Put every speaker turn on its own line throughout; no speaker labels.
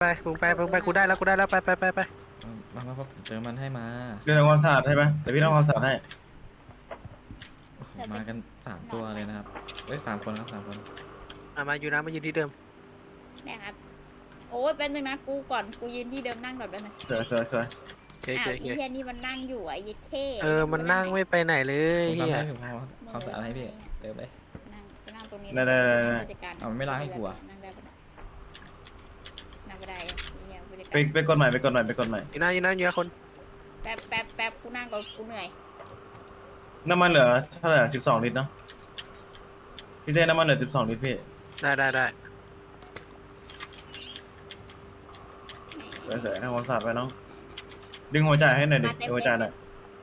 ไปมึงไปกูได้แล้วไป
มาผมเจอมันให้มา
เรื่องทำความสะอาดใช่ไหมเดี๋ยวพี่ทำความสะอาดให้
โอ้โหมากัน3 ตัวเลยนะครับเอ้ย3 คนครับ3 คน
มาอยู่นะมายืนที่เดิม
แม่ครับโอ้ยเป็นหนึ่งนะกูก่อนกูยืนที่เดิมนั่งก่อนเป็นหนึ่ง
สวย
โอเค
อ้า
โอ
ว
เค
อีเทียนี่มันนั่งอยู่อ่ะยีเท่
มันนั่งไม่ไปไหนเลย
ผม
เฮี
ทำ
ย
ให้ผมความสะอาดให้พี่เติมเลย
นั่งตรงนี้
ได้
เอามันไม่ล้างให้กูอะ
นั่งได้ปะนั่งไม่ได้เนี่ยผู้จัด
ไป
การ
ไปกดใหม่
อยู่นะอยู่นะคน
แป๊บกูนั่งก่อนกูเหนื่อย
น้ำมันเหลือเท่าไหร่12 ลิตรเนาะพี่เต้น้ำมันเหลือ12 ลิตรพี่
ได้
สวยๆทำความสะอาดไปน้องดึงหัวจ่ายให้หน่อยดิดึงหัวจ่ายหน่อย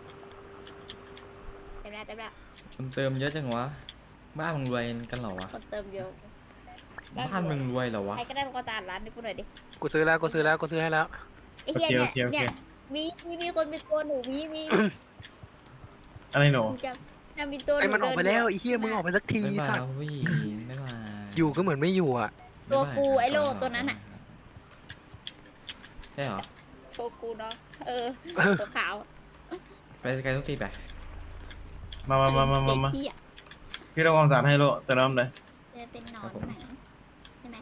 เต็มแล้ว
คนเติมเยอะจังวะบ้านมึงรวยกันเหรอวะ
คนเติมเยอะ
บ้านมึงรวยเหรอวะ
ใครก็ได้ก็ตามร้านนี่กูหน่อยดิ
กูซื้อให้แล้ว
ไอ้เฮียเนี่ยมีคนเป็นตัวหนูมี
อะไรหนู
จะมีตัวหนู
ไอ้มันออกไปแล้วไอ้เฮียมึงออกไปสักที
ไม่มา
สัตว์
พี่ไม่มา
อยู่ก็เหมือนไม่อยู่อ่ะ
ตัวกูไอ้โลตัวนั้นอ่ะ
ใช่เหรอ
ตัวกูเนาะตัวขาว
ไปสกายทุกทีไป
มา
เด็กที่อ่ะ
พี่ทำความสะอาดให้โลแต่น้ำเลย
จะเป็นหนอนไหมใช่ไหม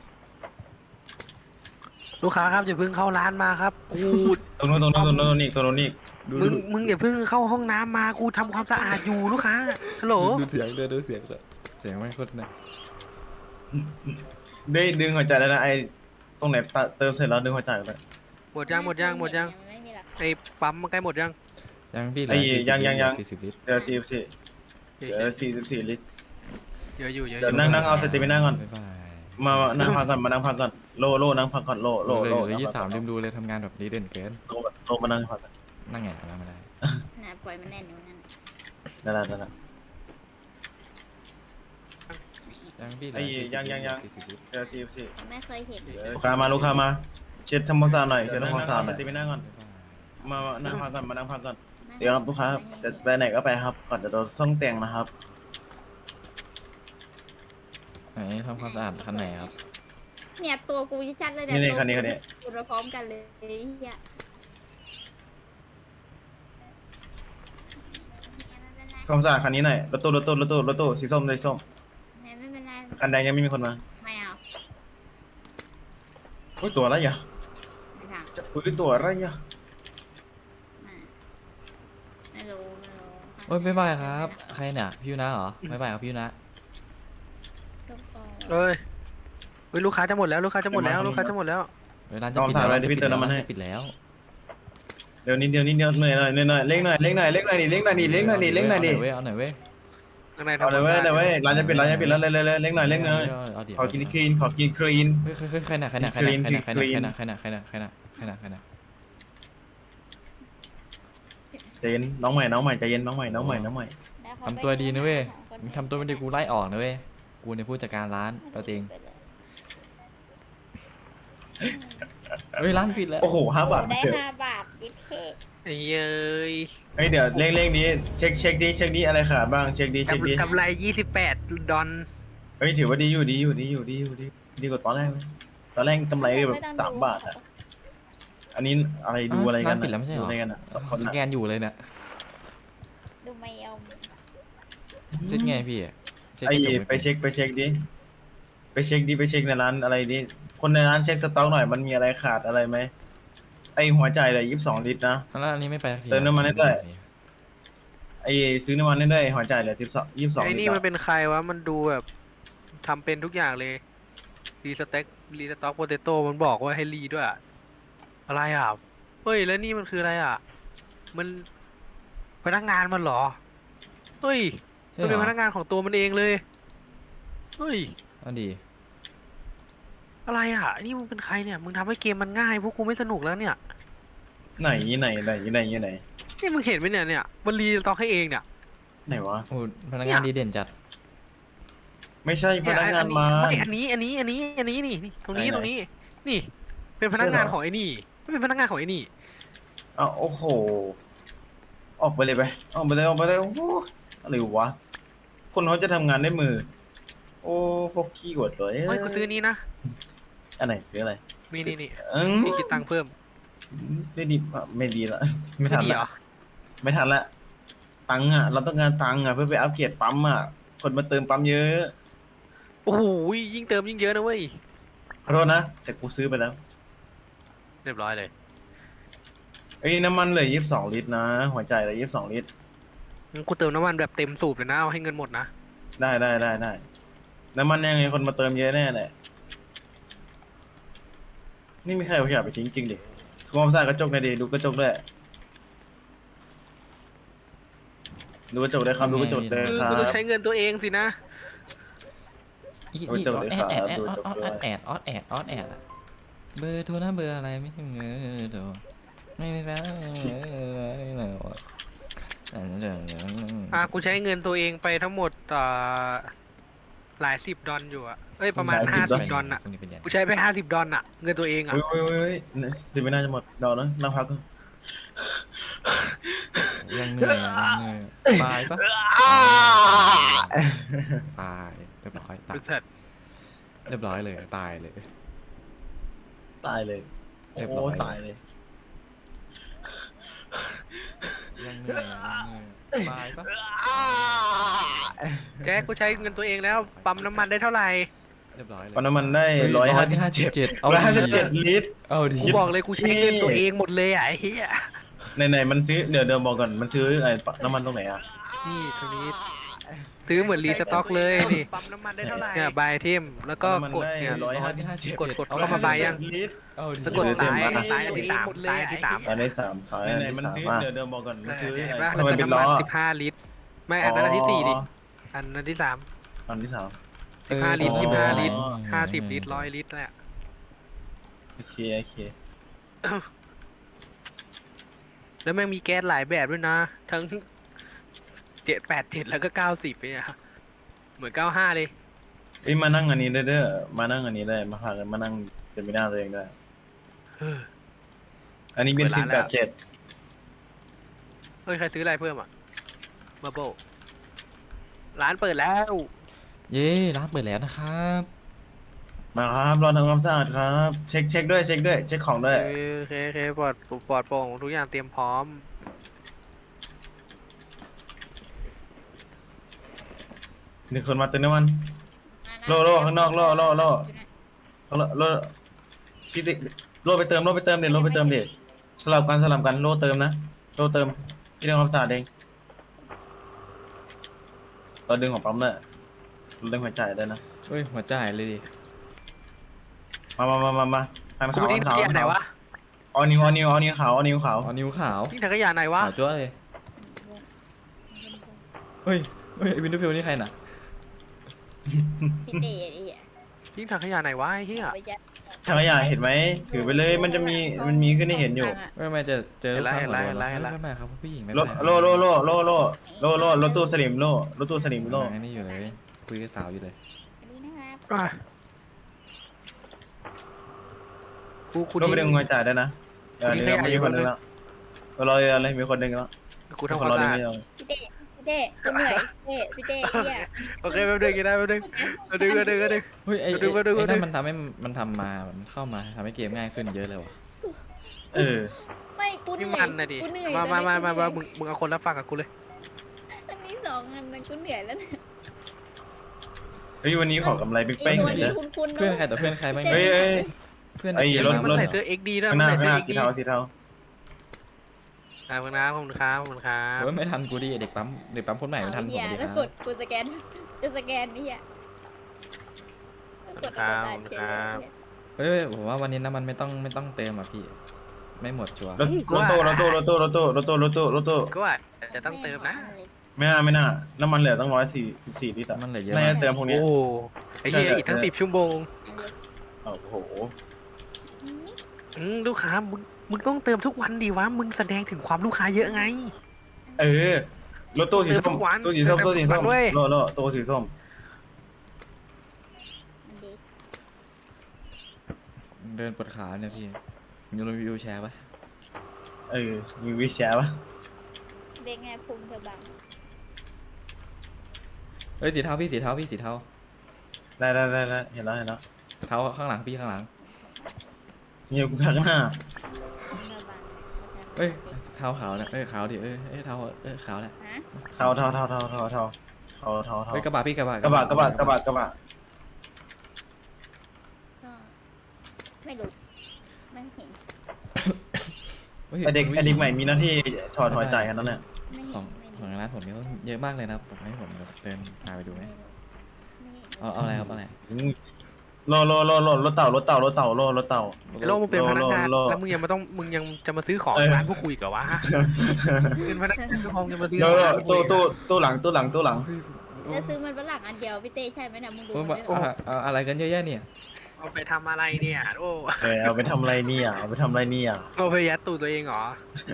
ลูกค้าครับอย่าเพิ่งเข้าร้านมาครับกู
ตรงนู้นอีก
มึงอย่าเพิ่งเข้าห้องน้ำมากูทำความสะอาดอยู่ลูกค้าฮัลโหล
ดูเสียงเลยเสียงไม่โคตรนะ
ได้ดึงหัวจ่ายแล้วนะไอ้ตรงไหนเติมเสร็จแล้วดึงหัวจ่ายเลย
หมดยัง
ไม่มีหรอก
ไอ้ปั๊มมันใกล้หมดยัง
ยังพี่เหลื
ไอ้
อ
ยัง
40 ลิตร
เดี๋ยว44 ลิตร
เยอะอยู่
เดี๋ยวนั่งเอาสติไปนั่งก่อน
บ๊ายบาย
มานั่งพักก่อนโลนั่งพักก่อนโล
เหลือ23ลืมดูเลยทำงานแบบนี้เด่นเกิน
โลมานั่งพักก่อน
นั่งไงไม่ได้
น่ะปล่อยมันแน่นอยู่นั่น
นั่นแหละ
ยังพี่เหลื
ไอ้
อ
ยัง
40 ลิตร
เดี๋ยว44
ไม่เคยเห็น
ลูกค้ามาเช็ดทำความสะอาดหน่อยเช็ดทำความสะอาดหน่อยไปนั่งก่อนมานั่งพักก่อนเดี๋ยวครับลูกค้าจะไปไหนก็ไปครับก่อนจะโดนซ่องเตียงนะครับ
ไหนทำความสะอาดคันไหนครับ
เนี่ยตัวกูชัดเลย
นี่คันนี้
กูเราพร้อมกันเลยเฮีย
ทำความสะอาดคันนี้หน่อยรถตู้สีส้มสีส้ม
ไม่เป็นไร
คันแดงยังไม่มีคนมา
ไม่เอา
โอ้ยตัวอะไรอ่ะ
ไม่ท
จะคุยตัวอะไรอ่ะ
ำไม่รู้
โอ้ยบ๊ายบายครับใครเนี่ยพี่ยูนะเหรอบ๊ายบายครับพี่ยูนะ
เอ้ยลูกค้าจะหมดแล้ว
เวลาจะปิดแล้วปิดแล้ว
เดี๋ยวนิดเดียวเหนื่อยเร่งหน่อยดิ
เอาหน่อยเว้ย
ข้างใน
เอาเลยเว้ยร้านจะปิดแล้วเร่งหน่อยขอกินคลีน
เฮ้ยใครน่ะ
ใจเย็นน้องใหม่ใจเย็นน้องใหม่
ทำตัวดีนะเว้ยมึงทำตัวไม่ดีกูไล่ออกนะเว้ยกูเนี่ยผู้จัดการร้านตัวเองเฮ้ยร้านปิดแล้ว
โอ้โห5 บาท
ได้5 บาทยิเท่
ไอ้เย้ย
เฮ้ยเดี๋ยวเร่งนี้เช็คดีอะไรขาดบ้างเช็คดี
กำไร28 ดอล
เฮ้ยถือว่าดีดีกว่าตอนแรกกำไรแบบ3 บาทอ่ะอันนี้อะไรดูอะไรกัน
ปิดแล้วไม่ใช่เหรอ
อะไรกันอ่ะ2 คน
สแกนอยู่เลยเนี่ย
ดูไม่เอา
เช็ดไงพี่
ไอ้ไปเช็คดิไปเช็คในร้านอะไรดิคนในร้านเช็คสต็อกหน่อยมันมีอะไรขาดอะไรไหมไอหัวใจเลย22 ลิตรนะ
แล้วอันนี้ไม่ไป
เติมน้ำมันให้ด้วย ไอซื้อน้ำมันได้ด้วยหัวใจเหลือ22
ไอ้
ลิ
นี่
ตร
มันเป็นใครวะมันดูแบบทำเป็นทุกอย่างเลยรีสต็อกโปเตโต้มันบอกว่าให้รีด้วยอะอะไรอ่ะเฮ้ยแล้วนี่มันคืออะไรอ่ะมันพนักงานมันเหรอเฮ้ย
ใช่
มัน
เหร
เป็น
อ
พนักงานของตัวมันเองเลยเฮ้ย
เอาดี
อะไรอ่ะนี่มึงเป็นใครเนี่ยมึงทำให้เกมมันง่ายพวกกูไม่สนุกแล้วเนี่ย
ไหน
นี่มึงเห็นไหมเนี่ยมันรีสต็อกให้เองเนี่ย
ไหนวะ
โอ้พนักงานดีเด่นจัด
ไม่ใช่พนักงานมา
อันนี้นี่ตรงนี้นี่เป็นพนักงานของไอ้นี่ไม่เป็นพนักงานของไอ้นี่
อ้าวโอ้โหออกไปเลยโอ้โหอะไรวะคนเขาจะทำงานด้วยมือ โอ้พวกขี้กดเลย
เฮ้ยกูซื้อนี้นะ
อันไหนซื้ออะไร
นี่
อืม
พี่คิดตังค์เพิ่ม
ไม่ดีไม่ดีละไม่ทัน
ดีเหร
ละ
อ
ไม่ทันละตังค์อ่ะเราต้องการตังค์อ่ะเพื่อไปอัปเกรดปั๊มอ่ะคนมาเติมปั๊มเยอะ
โอ้โหยิ่งเติมยิ่งเยอะนะเว้ย
ขอโทษนะแต่กูซื้อไปแล้ว
เรียบร้อยเลย
เอ้ยน้ำมันเหลือ22 ลิตรนะหัวใจเหลือ22 ลิตร
งั้นกูเติมน้ำมันแบบเต็มสูบเลยนะเอาให้เงินหมดนะ
ได้น้ำมันยังไงคนมาเติมเยอะแน่เลยนี่มีใครเอาขยะไปทิ้งจริงดิความสะอาดกระจกหน่อยดิดูกระจกด้วยดูกระจกด้วยครับดูกระจกด้วยครั
กูต้อง
บ
ใช้เงินตัวเองสินะ
อี
โอ้ย
นี่
จบ
ออ
เล
ด
ย
แอ
ครับ
ด
ดู
อ
จบ
อด
ด้วย
แอดออดแอดอะเบอร์โทรนะเบอร์อะไรไม่ใช่เบอร์โทรไม่แล้
กูใช้เงินตัวเองไปทั้งหมดหลายสิบดอลอยู่อะเอ้ยประมาณ
หลายสิบ
50 ดอลอะกูใช้ไป50 ดอลอะเงินตัวเองอะ
เฮ้ยสิบไม่น่าจะหมดดอกนะนั่งพักก่อน
ยังเหนื่อยตายซะตายเรียบร้อยตาย
บริษัท
เรียบร้อยเลยตายเลย
ตายเลย
เรียบร้
โอ้
อย
ตายเลย
ยังเหนื่อยตายซะ
แจ๊คกูใช้เงินตัวเองแล้วปั๊มน้ำมันได้เท่าไหร่
เรียบร้อยเลย
ปันน้ำมันได้157
เอาดี
157 ลิตร
เอาดี
กูบอกเลยกูใช้เงินตัวเองหมดเลยอะไอ้เหี้ย
ไหนมันซื้อเดี๋ยวบอกก่อนมันซื้อไอ้น้ำมันตรงไหนอ่ะ
นี่ตรงนี้ซื้อเหมือนรีสต็อกเลยนี่ปั๊มน้ำมันได้เท่าไหร่เนี่ยบายเทมแล้วก็กดเนี่ย
157
กดเข้ามาบายยัง
ลิตร
เอาดี
แล้วกดซ้ายอันที่สามซ้ายอันที่สาม
อันที่สามสายอันที่สามเดี๋ยวบอกก่อนมันซื้อ
เห็น
ไอ้
ปะ
ทำไม
แล้วก็
เป็น
น้ำ
ล้
มั
อน
15 ลิตรไม่อันนั้นอันที่4ดิอันนั้นที่3
อันที่สาม
15 ลิตร
อ๋อ
25 ลิตร 50 ลิตร 100 ลิตรแหละ
โอเค
แล้วแม่งมีแก๊สหลายแบบด้วยนะ ทั้ง787แล้วก็90เนี่ยเหมือน95เลย
เอ้ยมานั่งอันนี้ได้เด้อมานั่งอันนี้ได้มาพากันมานั่งเต็มหน้าตัวเองได้
เออ
อันนี้เป็น1087
เฮ้ยใครซื้ออะไรเพิ่มอ่ะมาโบร้านเปิดแล้ว
เย้ร้านเปิดแล้วนะครับ
มาครับรอทำความสะอาดครับ เช็คด้วยเช็คของด้วย
โอเคปลอดโปร่งทุกอย่างเตรียมพร้อม
หนึ่งคนมาเติมน้ำมัน โล่ข้างนอกโล่พี่ติโล่ไปเติมเด็ดสลับกันโล่เติมนะโล่เติมพี่ทำความสะอาดเองเราดึงของปั๊มเลยเราดึงหัวใจได้นะ
เฮ้ยหัวจ่ายเลยดิ
มาทาน
กู
ขาว
ทิ้งถังขยะไหนวะ
เอานิ้วขาว
เอานิ้วขาว
ทิ้งถังขยะไหนวะ
ขาวจ้วเลยเฮ้ยวินโดว์ฟิลนี่ใครน่ะ
พี่เต๋ดิอ่ะ
ทิ้งถังขยะไหนวะไอ้เหี้ย
ไปยัด
ถังขยะเห็นไหมถือไปเลยมันมีขึ้นให้เห็นอยู่
ไม่จะเจอลูกค้าหมดเลยไม่ครับผู้หญิงไม่
โล่รถตู้สลิมโล่
อันนี้อยู่เลยคุยกับสาวอยู่เลย
อันนี้นะครับ
อ่ะกู
โล่ไป
ทิ้
ดึง
ง
หัวใจได้นะนี่เรามีคนนึงแล้วเราอะไรมีคนนึงแล้ว
กูทำความสะอาด
พี่เต้กูเหนื่อยพี่เต้เหี้ย
โอเคแป๊บนึงแป๊บนึง
เฮ้ยไอ้
ดู
นั่นมันทำให้มันทำมามันเข้ามาทำให้เกมง่ายขึ้นเยอะเลยว่ะ
ไม่กูเห
นี่
นื่อ
มั
ย
นนะดิ
กูเหนื่อย
มามึงเอาคนละฝั่งกับกูเลย
อันนี้2 อันนะกูเหนื่อยแล้วเนี่ย
เฮ้ยวันนี้ขอกำไรบิ๊ก
ไอ้
เป้ง
ตั
ห
ว
น่อย
นี้
นะ
คุ้นๆ
เพื่อนใครแต่เพื่อนใครบ้าง
เฮ้ย
เพื่อน
ไอ้รถ
มันใส่เสื้อ XD ด้วย
ข้างห
มัน
น้า
ใส่
ข้างห
เสื้อ
น้า
XD
สีเทา
ขอบคุณครับขอบคุณครับขอบคุณครับ
โอ้ยไม่ทันกูดิเด็กปั๊มคนใหม่ไม่ทันผม
เหี้ย
ดิ
แล้ว
ค
ก
รับ
ดกูสแกนจะสแกนนี่อ่ะกด
เฮ้ยผมว่าวันนี้น้ำมันไม่ต้องเติมอ่ะพี่ไม่หมดชัวร์
รถตู้
ก็ว่าจะต้องเติมนะ
ไม่น่าน้ำมันเหลือตั้ง144 ลิตร
มันเหลือเยอะ
น่าจะ
มาก
เติมพวกนี้
โอ้ไอ้เหี้ยอีกทั้ง10 ชั่วโมง
โอ้โห
ลูกค้ามึงต้องเติมทุกวันดีวะมึงแสดงถึงความลูกค้าเยอะไง
รถตู้สีส้มตู้สีส้มโล่ตู้สีส้ม
เดินปวดขาเนี่ยพี่มีรีวิวแชร์ปะ
มีวิแชร์ปะ
เด็กไงพุงเธอบัง
เฮ้ยสีเทาพี่สีเทา
ได้เห็นแล้ว
เทาข้างหลังพี่ข้างหลัง
เนี่ยกูพักหน้า
เอ้ยเท้าขาวนะขาวดิเท้าขาวแหละ
ฮะ
เทา
เฮ้ยกระบะพี่กระบะ
กระบะ
ก็ไม่รู้ไม่เห็น
ฮ้ย
ไอเด็กใหม่มีหน้าที่ถอดหัวใจกันนั่นแหละ
ไม่
ของ
เห็น
ของร้านผมนี่ต้องเยอะมากเลยนะครับผมให้ผมเดินพาไปดูไหม
ไม่เห็น
เอาอะไรครับอะไร
โลรถเต่ารถเต่ารถเต่าโลรถเต่า
ไอ้โลกมึงเป็นพนักงาน
โล
แล้วมึงยังจะมาซื้อของ
เออ
ร้านพวกกูอีกเหรอวะเป็นพนักงานก็คงจะมาซื้อ
โล
ของร้านพวกกู
ตู้หลัง
แล้วซื้อมันเป็นหลังอันเดียวพี่เต้ใช่ไหมนะมึงดู
โอ้
มันด้วยเหรอ
เอาอะไรกันเยอะแยะเนี่ย
เอาไปทำอะไรเนี่ยโอ้
เอาไปทำอะไรเนี่ย
เอาไปยัดตูดตัวเองเหรอ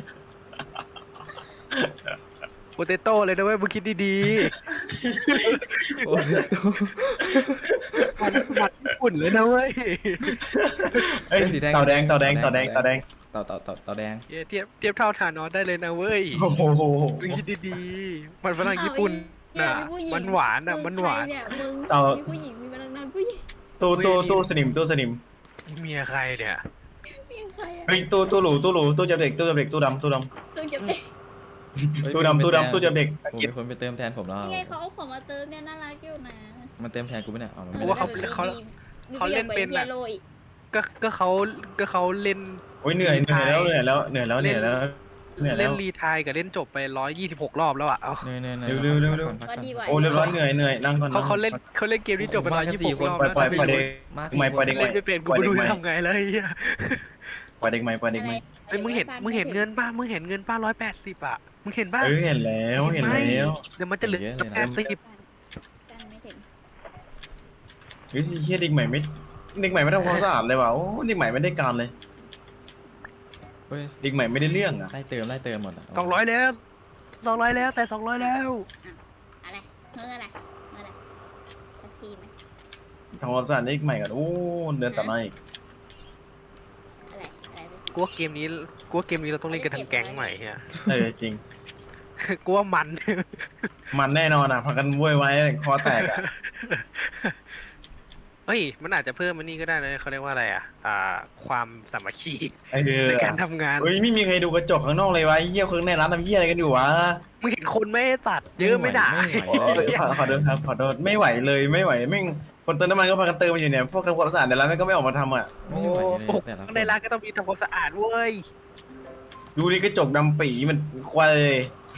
โปเตโต้เลยนะเว้ยมึงคิดดี
โอ้ย
ๆมันญี่ปุ่นเลยนะเว้ย
เอ้ยเต่าแดง
เต่าแดง
เต่าแดง
เทียบเท่าฐานอสได้เลยนะเว้ย
โอ้โห
มึงคิดดีๆมันฝรั่งญี่ปุ่น
เอา
น่ะ
ไอ้เหี้ย
มันหวานอ่ะ
มึง
มันหวาน
ใครเนี่ยมึงมีผู้หญิงมีพนักงานผู้หญิง
ตู้สนิม
เมียใครเนี่ย
มีใครอะ
เฮ้ยตู้หลูตู้จับเด็กตู้ดำ
ต้องจะเป็น
ตู้ดำตู้จับเด็ก
ผมเป็นคนไปเติมแทนผมแล้ว
ยังไงเขาเอาของมาเติมเนี่ยน่ารักอยู่นะ
มันเติมแทนกูไม่เนี่ยเอามัน
เพ
ไม่
ราะ
ได้
ว่าเขาเล่นเป็น
อะ
อะ
โรอีก
ก็เขาเล่น
โอ้ยเหนื่อยแล้ว
เล่น
เหนื่อยแล้ว
รีไทายกับเล่นจบไป126 รอบแล้วอ่ะเอา
เนี่ย
เร็ว
ก็ดีกว่า
โอ้เรียบร้อยเหนื่อยนั่งก่อน
เขาเล่นเกมนี้จบไป126 รอบ
ปล่
แล้ว
อยเด็ก
มา
ไม่ปล่อยเด็ก
เล่นไม่เป็นกูไม่รู้จะทำไงแล้วไอ้เหี้ย
ปล่อยเด็กใหม่
เฮ้ยมึงเห็นเงินป่ะ180อ่ะมึงเห็นป่ะ
เห็นแล้ว
เดี๋ยวมันจะเหลือ80
กันไม่ถึง
เฮ้ยเฮียเด็กใหม่ไม่ทำความสะอาดเลยว่ะโอ้เด็กใหม่ไม่ได้การเลย
เฮ้ย
เด็กใหม่ไม่ได้เรื่องอ่ะ
ไล่เติมหมดอ่ะ
200แล้วแต่200แล้ว
อะไรเมื่ออะไรสักทีไหม
ทำความสะอาดเด็กใหม่ก่อนโอ้เดินตัดหน้าอีก
อะไร
กูว่าเกมนี้เราต้องเล่นกันทั้งแก๊งใหม่เฮีย
จริง
กูว่ามัน
มันแน่นอนอ่ะพากันวุ่นไว้คอแตกอ่ะ
เฮ้ย มันอาจจะเพิ่มมันนี่ก็ได้นะเขาเรียกว่าอะไรอ่ะ ความสามัคคีในการทำงาน
เฮ้ยไม่มีใครดูกระจกข้างนอกเลยวะเยี่ยคนในร้านทำเยี่ยอะไรกันอยู่วะ
มึงเห็นคนไม่ให้ตัดเยอะไม่ได้
โอ้ยขอโทษครับขอโทษไม่ไหวเลยไม่ไหวแม่งคนเติมน้ำมันก็พากันเติมมาอยู่เนี่ยพวกทำความสะอาดในร้านแม่งก็ไม่ออกมาทำอ่ะ
ไม่ไหวเลยแต่ละคน
ในร้านก็ต้องมีทำความสะอาดเว้ย
ดูดิกระจกดำปีมันควายเลย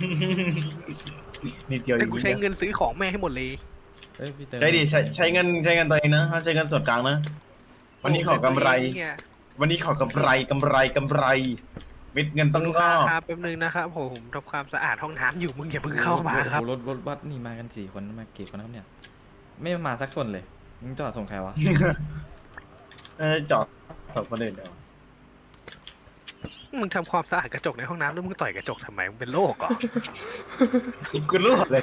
นิดเดียว
แต่กูใช้เงินซื้อของแม่ให้หมดเลย
เฮ้ยพี่เติม
ใช้ดิใช้เงินตัวเองนะห้ามใช้เงินส่วนกลางนะวันนี้ขอกำไร วันนี้ขอกำไรเม็ดเงินต้อง
ลูก
ง
ค้า
อก
ครับแป๊บนึงนะครับผมทำความสะอาดห้องน้ำอยู่มึงอย่าเพิ่งเข้ามาครับ
รถบัสนี่มากัน4 คนมากี่คนครับเนี่ยไม่มาสักคนเลยมึงจอดส่งใครวะ
จอดสองคนอื่นเดี๋ยว
มึงทำความสะอาดกระจกในห้องน้ำแล้วมึงต่อยกระจกทำไมมึงเป็นโรคเหรอ
คุณรู้เลย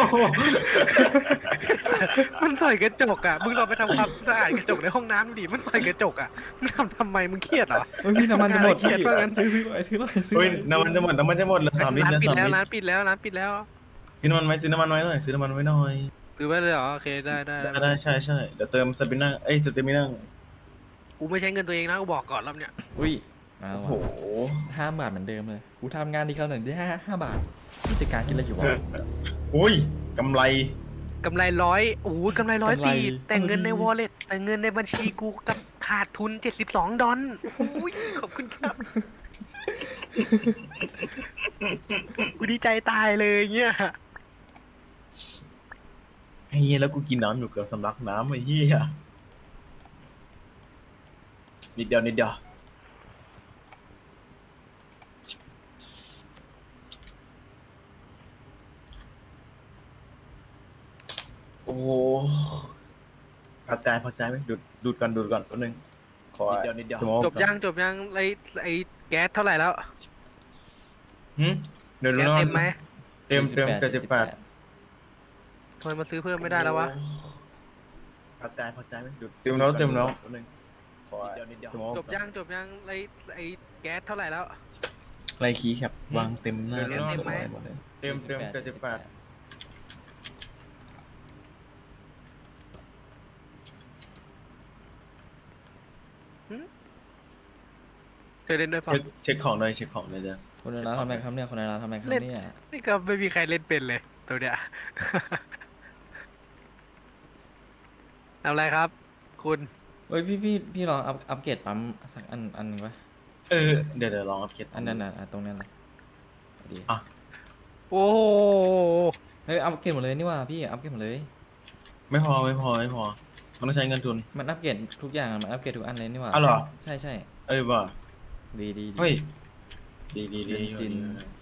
มันต่อยกระจกอ่ะมึงลองไปทำความสะอาดกระจกในห้องน้ำดิมันต่อยกระจกอ่ะมึงทำไมมึงเครียดเหรอ
เฮ้ยพี่น้ำมันจะหมด
เกลียดว่างั้น
ซื้อหน่อย
เฮ้ยน้ำมันจะหมดเหลือ3 ลิตร
ร้าน
เหลือ
ปิด
3
แล้ว
ลิตร
ร้านปิดแล้ว
ซื้อน้ำมันไหมซื้อน้ำมันไว้หน่อยซื้อ
ไว้เลยเหรอโอเคได้
ได้ใช่เดี๋ยวเติมสเตมิน่า
กูไม่ใช้เงินตัวเองนะกูบอกก่อนรอบเนี้ย
อุ้ยมา
โอ้
ว่ะ
โห
5 บาทเหมือนเดิมเลยกูทำงานดีเขาหน่อยได้5 บาทผู้จัดการกินอะไรอยู่วะ
อุ้ยกำไร
กำไร100โอ้โหกำไร
กำไร
104แต่เงินใน wallet แต่เงินในบัญชีกูกับขาดทุน72 ดอลโอ้ยขอบคุณครับกูดีใจตายเลยเงี้ย
เฮียแล้วกูกินน้ำอยู่เกือบสำลักน้ำไอ้เฮียนิดเดียวโอ้โหพักใจไหมดูดก่อนแป๊บนึงขอนิดเดียว
จบยังไอ้แก๊สเท่าไหร่แล้ว
เดี๋ยวดู
แก๊ส
นะ
เต็มไหม
เต็ม78
ทำไมมาซื้อเพิ่มไม่ได้แล้ววะ
พักใจไหมเต็มแล้วแป๊บนึงขอนิดเดียว
จบยังไอ้แก๊สเท่าไหร่แล้ว
ไรคีย์ครับวางเต็มหน้า
เต็มไหม
เต็ม78
เคยเล่นด้วยปะ
เช็คของเลยเช็คของเลยเด้อ
คนในร้านทำไมครับเนี่ยคนในร้านทำไมครับ
เล่น
เนี่ย
นี่ก็ไม่มีใครเล่นเป็นเลยตัวเนี้ย ทำอะไรครับ คุณ
เฮ้ยพี่ลองอัพเกรดปั๊มสักอันหนึ่งวะ
เดี๋ยวลองอัปเกรด
อันนั้นน่ะตรงนั้นเลยดี
อ่ะ
โอ้โห
เฮ้ยอัพเกรดหมดเลยนี่ว่าพี่อัพเกรดหมดเลย
ไม่พอมันต้องใช้เงินทุน
มันอัพเกรดทุกอย่างมันอัพเกรดทุกอันเลยนี่ว่า
อ้าวเหรอ
ใช่
ว่ะ
ดี
เฮ้ยดี
เบนซิน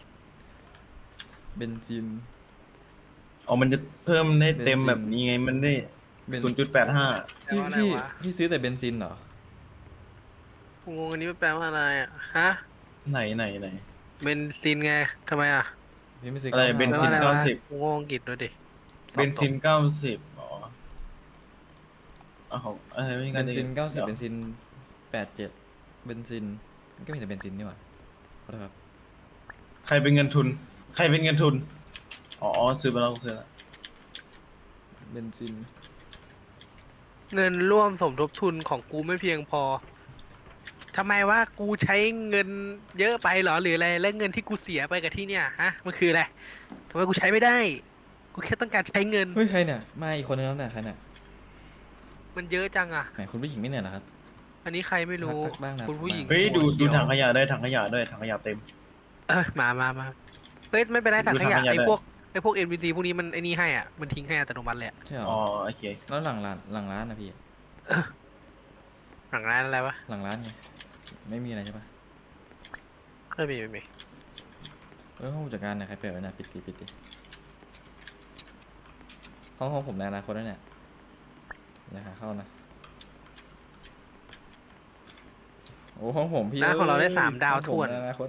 เบนซิน
อ๋อมันจะเพิ่มได้เต็ม
เบนซิน
แบบนี้ไงมันได้
เบน
0.85
แปล
พี่
ว่าอะไร
พี่
วะ
พี่ซื้อแต่เบนซินเหรอ
กูงงอันนี้มันแปลว่าอะไรอ่ะ ฮะ
ไหน
เบนซินไงทำไมอ่ะ
พี่ไม่ซื้อ
อะไร
95
เบนซิน
แปลว่าอะไรวะ
90
กูงงอังกฤษด้วยดิ
เบนซิน90อ๋อของอะไรไม่
เบ
กัน
นซิน90
ดี๋ยว
เบนซิน87เบนซินมันก็มีแต่เบนซินนี่หว่าขอโทษครับ
ใครเป็นเงินทุนอ๋อซื้อไปแล้วซื้อแล้ว
เบนซิน
เงินร่วมสมทบทุนของกูไม่เพียงพอทำไมว่ากูใช้เงินเยอะไปเหรอหรืออะไร และเงินที่กูเสียไปกับที่เนี่ยฮะ มันคืออะไรทำไมกูใช้ไม่ได้ กูแค่ต้องการใช้เงิน
เฮ้ยใครเนี่ยมาอีกคนนึงแล้วเนี่ยใครเนี่ย
มันเยอะจังอ่ะ
ไหนคุณผู้หญิงไม่เนี่ยนะครับ
อันนี้ใครไม่รู้
ทักบ้างนะ
คุณผู้หญิง
เฮ้ยดู
หัวเขียว
ถังขยะด้วยถังขยะเต็ม
มาเฮ้ยไม่เป็นไรถังขยะ
ดูถังขยะ
ไอ้
ด้วย
พวก NPC พวกนี้มันไอ้นี่ให้อ่ะ มันทิ้งให้อัตโนมัติเลยอะ
ใช่เหร
อ๋
อ
อโอเค
แล้วหลังร้านนะพี่
หลังร้านอะไรวะ
หลังร้านไงไม่มีอะไรใช่ปะ
ไม่มี
ห้องผู้จัดการเนี่ยใครเปิดไว้นะปิดดิห้องผมในอนาคตด้วยเนี่ยอย่าหาเข้านะโอ้ห้องผมพี่
ร้านของเราได้
อ้ย
3 ดาว
ห้องผม
ถ้วน
ในอนาคต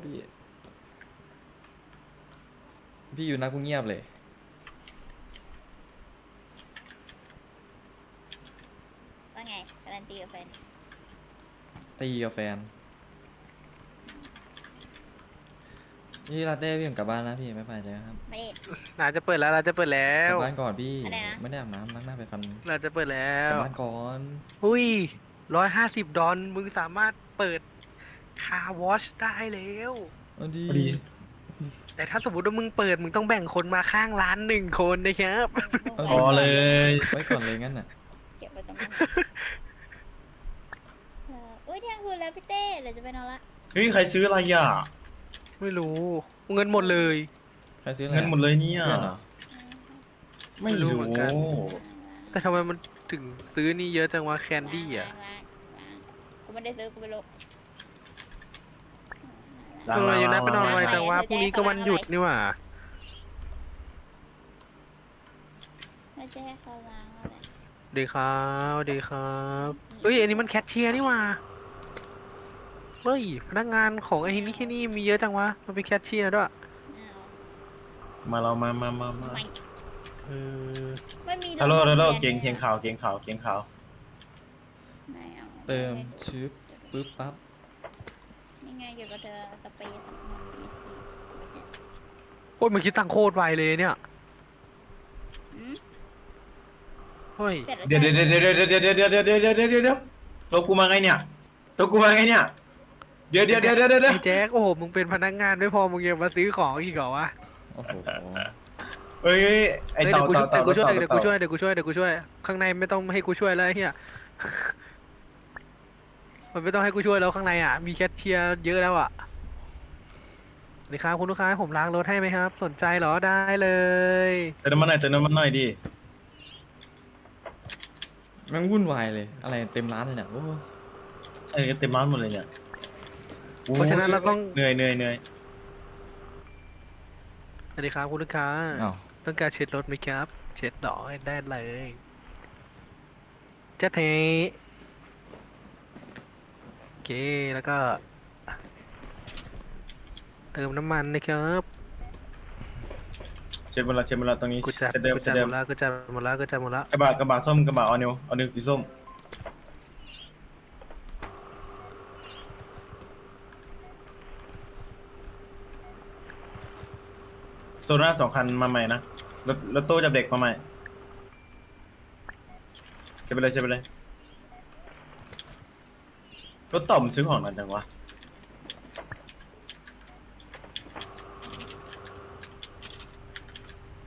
พี่อยู่นะกูเงียบเลย
ว่าไงการันตีกับแฟน
ตีกับแฟนพี่ลาเต้พี่ผมกลับบ้านแล้วพี่ไม่ไปเจอกันครับ
ไม่ได้
ร้านจะเปิดแล้วร้านจะเปิดแล้
กลั
ว
บบ้านก่อนพี่
อะไรนะ
ไม่ได้อาบน้ำล้างหน้าไปฟัน
ร้านจะเปิดแล้
กลั
ว
บบ้านก่อน
หุ้ย$150มึงสามารถเปิดคาร์วอชได้แล้ว
เอาดี
พอดี
แต่ถ้าสมมติว่ามึงเปิดมึงต้องแบ่งคนมาข้างร้าน1 คนนะครับ
พอเลย
ไว้ก่อนเลยงั้นน่ะ
เก็บไว้ตรงนั้นอุ้ยเที่ยงคืนแล้วพี่เต้เดี๋ยวจะไปนอนละ
เฮ้ยใครซื้ออะไรอ่ะ
ไม่รู้เงินหมดเลย
ใครซื้ออะไร
เงินหมดเลยเนี่ย
เพื่อนเหรอ
ไม่
ไม่รู้
รู้
เหมือนกัน แต่ทำไมมันถึงซื้อนี่เยอะจังวะแคนดี้อ่ะ
ล้างกูไม่ได้ซื้อกูไปลบ
ล้าง
ตัวอยู่นะไปนอน
ล้าง
ไว
ล้าง
จังวะพรุ่งนี้ก็วันหยุดนี่หว่า
ไม่ใช่ให้เขาล้างอะไร
ดีครับดีครับเอ้ยอันนี้มันแคชเชียร์นี่หว่าเฮ้ยพนักงานของไอ้นี่แค่นี้มีเยอะจังวะมันเป็นแคชเชียร์ด้วย
อ้าว
มาเรามา
ไม่
อืม
ไม่มี
ฮัลโหล
รียน
เก่ง
นี่ย
ข่าว
ไม่เอา
เติมชื้อปึ๊บปั๊บ
นี่ไงอยู่กับเธอสเปรย์ทั้งหมดมีขีดไม่ใช่
โคตรมันคิดตังค์โคตรไวเลยเนี่ย
อืม
เฮ้ย
เสร็จแล้ว
เดี๋ยวตัวกูมาไงเนี่ยเดี๋ยว
ไอ้แจ็คโอ้โหมึงเป็นพนักงานไม่พอมึงยังมาซื้อของอีกเหรอวะ
โอ้โห
เฮ้ยไอ
เฮ้ย
เต่า
เดี๋ยวกูช่วยเดี๋ยวกูช่วย
เต่า
เดี๋ยวกูช่วยข้างในไม่ต้องให้กูช่วยแล้วไอ้เฮียมันไม่ต้องให้กูช่วยแล้วข้างในอ่ะมีแคชเชียร์เยอะแล้วอ่ะสวัสดีครับคุณลูกค้าให้ผมล้างรถให้ไหมครับ สนใจเหรอได้เลย
เติมน้ำมันหน่อยดิ
แม่งวุ่นวายเลย อะไรเต็มร้านเลยเนี่ยโอ้
เต็มร้านหมดเลยเนี่ย
เพราะฉะนั้นเราต้อง
เหนื่อย
สวัสดีครับคุณลูกค้า
อ้าว
ต้องการเช็ดรถไหมครับ เช็ดดอกให้ได้เลยจะเทโอเคแล้วก็ เติมน้ำมันนะครับ
เช็ดหมดละตรงนี้
กูจัด
เซตเดิม
หมดแล้วหมดแล้ว
กระบะส้มกระบะออนิวสีส้มโซน่า2 คันมาใหม่นะรถตู้จับเด็กมาใหม่เช็ดไปเลยรถต่อมซื้อของนั่นจังวะ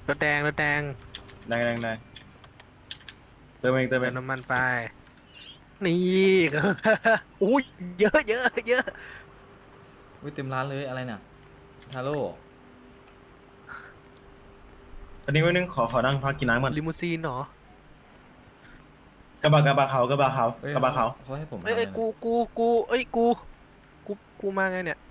รถแดงรถแดง
ได้ได้ได้เติมเองเติมเอ
เติม
ง
น้ำมันไปนี่ อุ้ยเยอะเยอะเยอะ
อุ้ยเต็มร้านเลยอะไรเนี่ยทาโร่
อันนี้วันนึงขอนั่งพักกินน้ำก่อน
ลิมูซีนเหรอก
ระบะเขากระบะเขา
อ้ย
กระบะเขา
เขาให้ผม
เอ้ย
ทำอะไร
กูเอ้ยกูมาไงเนี่ย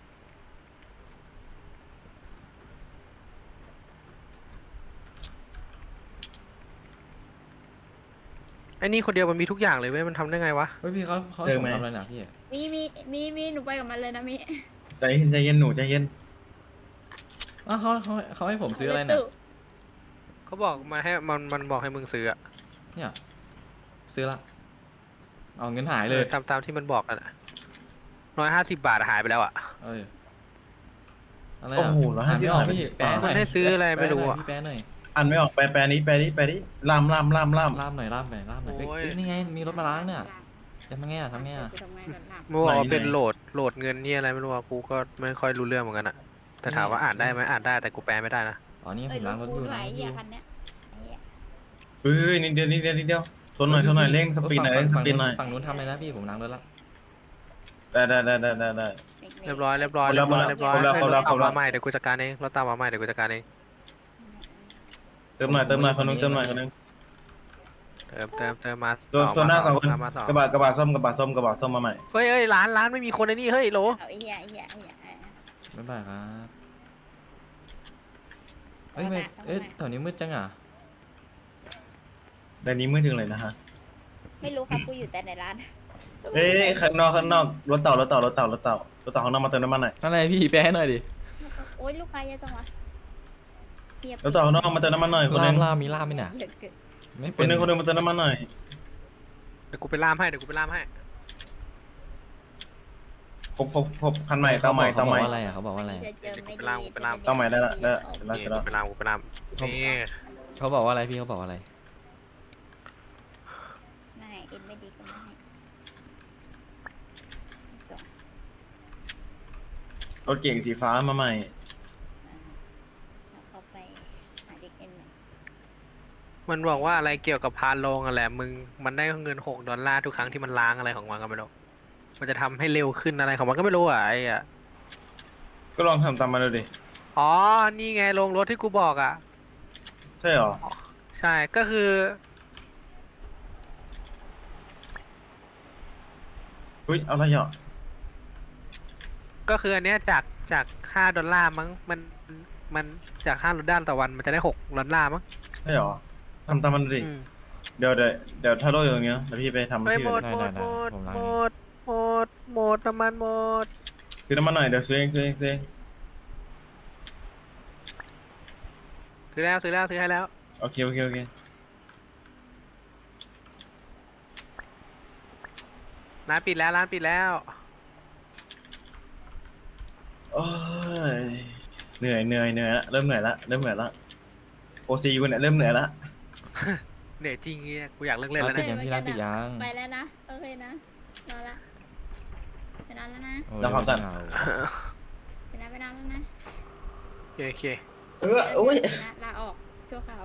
ไอ้นี่คนเดียวมันมีทุกอย่างเลยเว้ยมันทำได้ไงวะ
เฮ้ยพี่เขาให้ผมทำอะไรนะพี่
มีหนูไปกับมันเลยนะมิ
ใจเย็นใจเย็นหนูใจเย็น
อ้าวเขาให้ผมซื้ออะไรเนี่ย
เขาบอกมาให้มันบอกให้มึงซื้ออะ
เนี่ยซื้อละเอาเงินหายเลย
ตามที่มันบอกกัน150 บาทหายไปแล้วอะ
เอ้ยอะไร
โอ้
อ่ะ
โห
หาไม่ออก
150
พี่แปลหน่อย
มันให้ซื้ออะไรไม่รู้อะ
พี่แปลหน่อย
อ่านไม่ออกแปลนี้แปลนี้ล่าม
ล่ามหน่อยล่ามหน่อยล่ามหน่อย
โอ้ย
เอ้ยนี่ไงมีรถมาล้างเนี่ยจะทำไงอ่ะทำไงอ่ะ
ทำไงหลับ
มันบอกว่าเป็นโหลดเงินนี่อะไรไม่รู้อะกูก็ไม่ค่อยรู้เรื่องเหมือนกันอะแต่ถามว่าอ่านได้ไหมอ่านได้แต่กูแปลไม่ได้นะ
อ๋อนี่
เอ้
ผ
ย
มล้างรถอยู่
ไหล
ล้างรถอ
เหี้ย
ยู่
คันเนี้ยไอ้เหี้ย
เฮ้ยนิดเดียวทนหน่อยเร่งสปีดหน่อยเร่งสปีดหน่อย
ฝั่งนู้นทำเลยนะพี่ผมล้างรถละ
ได้
เรียบร้อยเรียบร้อย
ครบแล้ว
เรียบร้อย
ครบแล้ว
เฮ้ย
ครบแล้ว
รถตามมาใหม่เดี๋ยวกูจัดการเองรถตามมาใหม่เดี๋ยวกูจัดการเอง
เติมหน่อยคนนึงเติมหน่อยคนนึง
เติมมา
ส่วนหน้าสองคน
มาสอง
กระบะส้มมาใหม่
เฮ้ยร้านไม่มีคนในนี่เฮ้ยโหล
เอาไอ้เหี้ย
บ๊ายบายครับเอ้ยไม่เอ้ยแถวนี้มืดจังอ่ะ
ในนี้มือถึงเลยนะฮะ
ไม่รู้ครับกูอยู่แต่ในร้าน
เอ้ยข้างนอกรถเต่าข้างนอกมาเติมน้ำมันหน่อย
อะไรพี่แปลหน่อยดิ
โอ๊ยลูกค้าเยอะจังวะเทียบ
รถเต่าข้างนอกมาเติมน้ำมันหน่อยคนนึง
ล่ามมีล่ามไหมเนี่ย
เยอะเกิน
ไม่
ค
เป็น
นึงมาเติมน้ำมันหน่อย
เดี๋ยวกูไปล่ามให้
ครบคันใหม่เตาใหม่
เขาบอกว่าอะไรอ่ะเขาบอกว่าอะไร
เธอเจอไม่ดี
เตาใหม่ได้ละ
นี่กูไปล่ามนี่
เขาบอกว่าอะไรพี่เขาบอกว่าอะไร
ไม่เอ็นไม่ดีก็ไม่ให้
รถเก่งสีฟ้ามาใหม่
แล้วเขาไปหาเด็กเอ็นใหม่
มันบอกว่าอะไรเกี่ยวกับพานโลงอะแหละมึงมันได้เงิน$6ทุกครั้งที่มันล้างอะไรของมันก็ไม่รู้มันจะทำให้เร็วขึ้นอะไรของมันก็ไม่รู้อ่ะไอ้อะ
ก็ลองทำตามมาดูดิ
อ๋อนี่ไงลงรถที่กูบอกอ่ะ
ใช่หรอ
ใช่ก็คือ
อุ้ยอะไรอ่ะ
ก็คืออันเนี้ยจาก$5มั้งมันจาก$5ต่อวันมันจะได้$6มั้ง
ใช่หรอทำตามมันดูดิ
อืม
เดี๋ยวถ้าโลอยู่ตรงนี้นะเดี๋ยวพี่ไปทำ
เฮ้ย
ที่
หม
อื่
ด
น
หมดหมด
ผมล้าง
หม
เอง
ดน้ำมันหมด
ซื้อน้ำมันหน่อยเดี๋ยวซื้อเอง
ซื้อให้แล้ว
โอเค
ร้านปิดแล้ว
โอ้ยเหนื่อยละเริ่มเหนื่อยละโอซีกูเนี่ยเริ่มเหนื่อยละ
เหนื่อยจริงเงี้ยกูอยากเลิกเล่น
ร้า
แล้
น
ว
ปิด
เนี่ย
ยังพี่ร้านปิดยัง
ไปแล้วนะโอเคนะรอละไปนอนแล้วนะ
โอ้
แล้วเขาตัด
เหงา
ไปนอนแล้วนะ
โอเค
อุ้ย
ลาออกชั่วคราว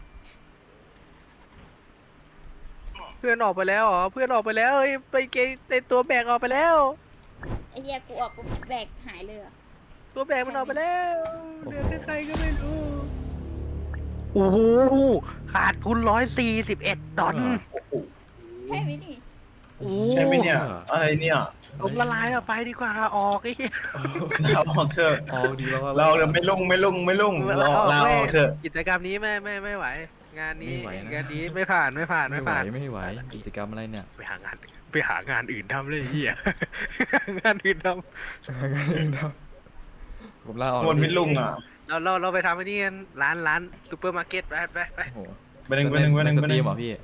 เพื่อนออกไปแล้วเหรอเพื่อนออกไปแล้วเฮ้ยไปเกยในตัวแบกออกไปแล้ว
ไอ้เหี้ยกูออกปุ๊บแบกหายเลยเหรอ
ตัวแบกมันออกไปแล้วเดือดใครก็ไม่รู้โอ้โหขาดทุน$141
ใช่ไหมนี่
โอ้
ใช่ไหมเนี่ยอะไรเนี่ย
ล้มละลายอะไปดีกว่าออกไอ้เหี้ย
เราออกเถอะ
เอาดีแล้ว
เราเดี๋ยวไม่ลุ่งเราออกเถอะ
กิจกรรมนี้ไม่ไหว งานนี้
ไม่ไหวนะ
งานนี้ไม่ผ่าน
ไม่ไหวกิจกรรมอะไรเนี่ย
ไปหางานอื่นทำเลยไอ้เหี้ย งานอื่นท
ผมลาออก
คนไม่ลุ่งอ่ะ
ำเราไปทำไอ้นี่กันร้านซูเปอร์มาร์เก็ตไป
โอ้โห
ไปหนึ่ง
สตรีมเหรอพี่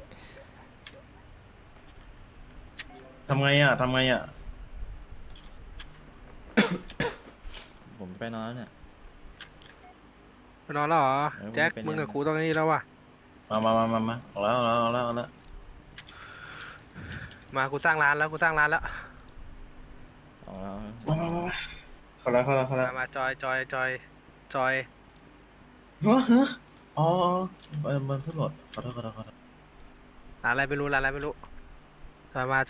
ทำไงอ่ะ
ผมจะไปนอนแล้วเนี่ย
ไปนอนแล้วเหรอ
เออ
แจ็ค
ผมไป
มึงกับ
เรียน
ครูต้องนี่แล้วว่ะ
มาออกแล้ว
มากูสร้างร้านแล้ว
เอาแล้ว
เข้าแล้ว
มาจอย
ฮะอ๋อมันเพิ่งโหลดขอโทษ
ร้านอะไรไม่รู้ร้านอะไรไม่รู้ถอยมา